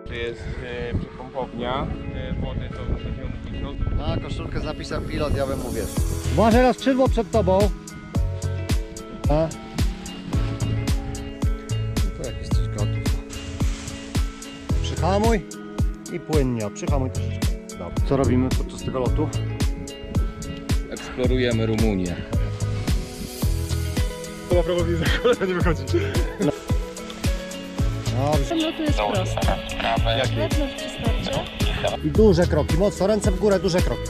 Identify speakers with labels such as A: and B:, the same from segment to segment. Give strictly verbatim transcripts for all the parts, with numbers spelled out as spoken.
A: to jest e, przepompownia e, wody, to będziemy mówić o...
B: Na koszulkę z napisem pilot, ja bym mówię.
C: Uważaj na skrzydło przed tobą. A?
B: To jakiś coś gotów.
C: Przyhamuj i płynnie. Przyhamuj troszeczkę. Dobra. Co robimy podczas tego lotu?
D: Eksplorujemy Rumunię.
E: Chyba prowadzi za kolego nie wychodzi.
C: Dobrze.
F: Lotu jest prosta. Wewnątrz wystarczy.
C: I duże kroki. Mocno ręce w górę, duże kroki.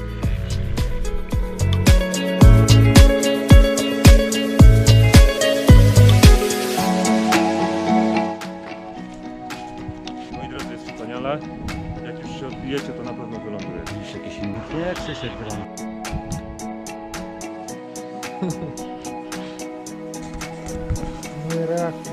E: Moi drodzy, jest wspaniale. Jak już się odbijecie, to na pewno wylądujecie.
C: Jakieś inne. Nie, Krzysiek wyląd. No i reakcja.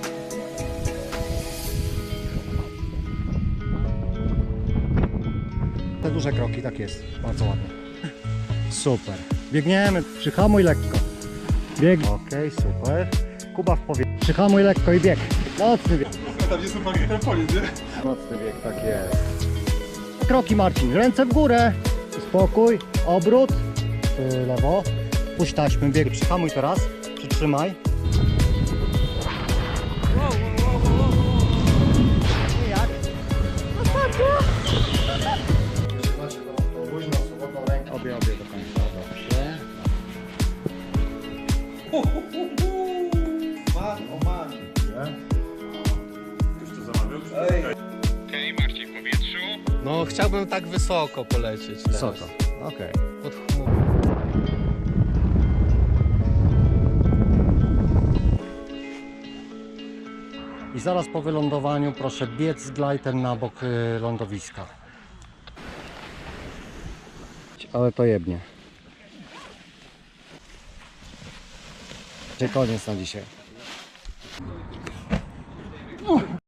C: Te duże kroki, tak jest. Bardzo ładnie. Super. Biegniemy. Przyhamuj lekko. Bieg. Okej, super. Kuba w powietrzu. Przyhamuj lekko i bieg. Mocny bieg.
E: Tam jest normalnie trampolin, nie?
B: Mocny bieg, tak jest.
C: Kroki, Marcin. Ręce w górę. Spokój. Obrót. Yy, lewo. Puść taśmy. Bieg. Przyhamuj teraz. Przytrzymaj. I jak?
B: Trzymacie tą luźną, swobodną rękę.
C: Obie, obie do końca. Dobrze.
B: Man, o man.
E: Już to zamawiał?
A: Okej, Marcin w powietrzu.
D: No chciałbym tak wysoko polecieć teraz.
C: Wysoko. Okej.
D: Pod chmurą.
C: I zaraz po wylądowaniu proszę biec z glajtem na bok y, lądowiska. Ale to jebnie. Koniec na dzisiaj.